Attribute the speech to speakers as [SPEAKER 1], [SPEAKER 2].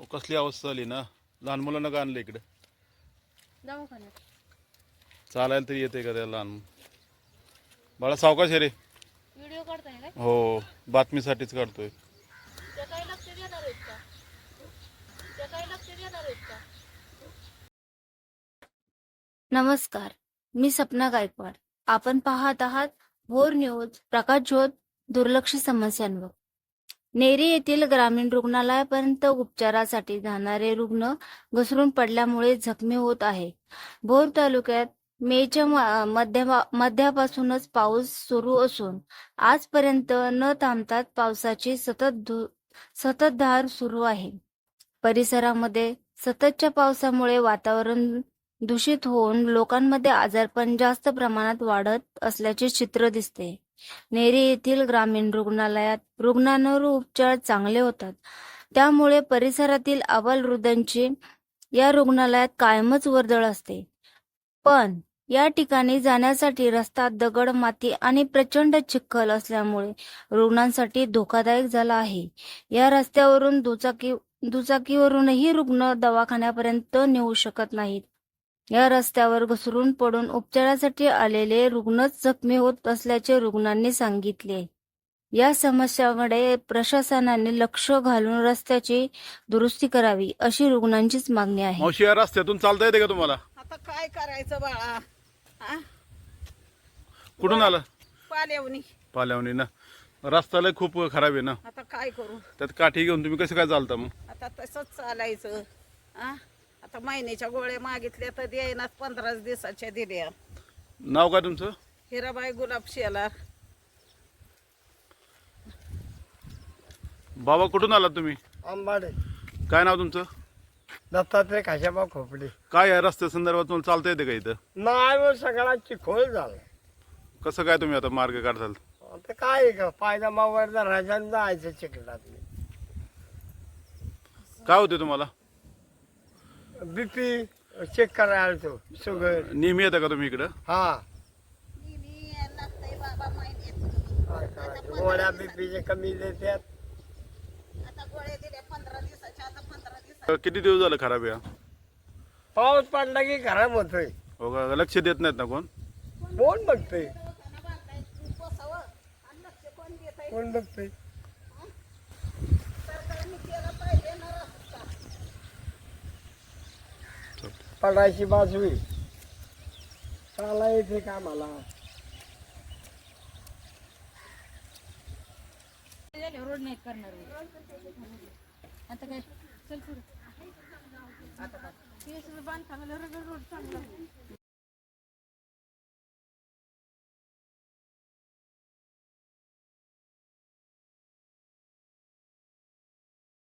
[SPEAKER 1] कसली अवस्था झाली ना. लहान मुलांना का आणलं इकडे?
[SPEAKER 2] दवाखान्यात
[SPEAKER 1] चालायला तरी येते का त्या लहान? बाळा सावकाश आहे रे.
[SPEAKER 2] व्हिडिओ काढताय काय?
[SPEAKER 1] हो, बातमीसाठीच काढतोय.
[SPEAKER 2] त्या काही लक्ष देणार आहेत का? त्या काही लक्ष देणार आहेत का? नमस्कार, मी सपना गायकवाड. आपण पाहत आहात भोर न्यूज प्रकाशझोत दुर्लक्ष समस्यांवर. नेरी येथील ग्रामीण रुग्णालयापर्यंत उपचारासाठी जाणारे रुग्ण घसरून पडल्यामुळे जखमी होत आहे. भोर तालुक्यात मेच्या मध्यापासूनच पाऊस सुरू असून आजपर्यंत न थांबता पावसाची सततधार सुरू आहे. परिसरामध्ये सततच्या पावसामुळे वातावरण दूषित होऊन लोकांमध्ये आजारपण जास्त प्रमाणात वाढत असल्याचे चित्र दिसते. नेरी येथील ग्रामीण रुग्णालयात रुग्णांवर उपचार चांगले होतात, त्यामुळे परिसरातील अबालवृद्धांची या रुग्णालयात कायमच वर्दळ असते. पण या ठिकाणी जाण्यासाठी रस्ता दगड, माती आणि प्रचंड चिखल असल्यामुळे रुग्णांसाठी धोकादायक झाला आहे. या रस्त्यावरून दुचाकीवरूनही रुग्ण दवाखान्यापर्यंत नेऊ शकत नाहीत. या रस्त्यावर घसरून पडून उपचारासाठी आलेले रुग्णच जखमी होत असल्याचे रुग्णांनी सांगितले. या समस्याकडे प्रशासनाने लक्ष घालून रस्त्याची दुरुस्ती करावी, अशी रुग्णांचीच मागणी आहे.
[SPEAKER 1] मावशी, या रस्त्यातून चालता येते का तुम्हाला?
[SPEAKER 3] आता काय करायचं बाळा? हा?
[SPEAKER 1] कुठून आला?
[SPEAKER 3] पाल्यावनी.
[SPEAKER 1] पाल्यावणी ना. रस्ता लय खूप खराब आहे ना.
[SPEAKER 3] आता काय करू?
[SPEAKER 1] त्यात काठी घेऊन तुम्ही कसं काय चालता मग?
[SPEAKER 3] आता तसंच चालायचं. हा? आता महिन्याच्या गोळ्या मागितल्या तर द्यायनाच, 15 दिवसाच्या दिल्या.
[SPEAKER 1] नाव काय तुमचं?
[SPEAKER 3] हिराबाई गुलाब शेलार.
[SPEAKER 1] बाबा कुठून आलात तुम्ही?
[SPEAKER 4] आंबाडे.
[SPEAKER 1] काय नाव तुमचं?
[SPEAKER 4] दत्तात्रय खाशाबा खोपडे.
[SPEAKER 1] काय या रस्त्या संदर्भात तुम्हाला चालता येते का इथं?
[SPEAKER 4] नाही मग सगळा चिखोल झाला.
[SPEAKER 1] कसं काय तुम्ही आता मार्ग काढताल?
[SPEAKER 4] आता काय आहे का, पायदमा वर राजांना जायचं चिखलात.
[SPEAKER 1] काय होते तुम्हाला?
[SPEAKER 4] बीपी चेक करायला आलतो, शुगर.
[SPEAKER 1] नेहमी येतं का तुम्ही इकडं?
[SPEAKER 4] हा,
[SPEAKER 3] लागतंय बाबा महिन्यात.
[SPEAKER 4] काय करायचं, गोळ्या बीपीचे कमी देतात.
[SPEAKER 3] आता गोळ्या दिल्या 15 दिवसाच्या, आता 15 दिवसाच्या.
[SPEAKER 1] किती दिवस झालं खराब आहे हा?
[SPEAKER 4] पाऊस पडला की खराब होतोय.
[SPEAKER 1] हो का? लक्ष देत नाहीत ना कोण?
[SPEAKER 4] कोण बघतोय?
[SPEAKER 3] दवाखाना बांधाय बसावं आणि लक्ष कोण देत आहे?
[SPEAKER 4] कोण बघतोय?
[SPEAKER 3] सरकारने केलं पाहिजे ना रस्ता.
[SPEAKER 4] पडायची बाजू चाला येते का मला?
[SPEAKER 2] रोड नाही करणार आता काय. चल पुढे. आता बांधकामाला रोड चांगला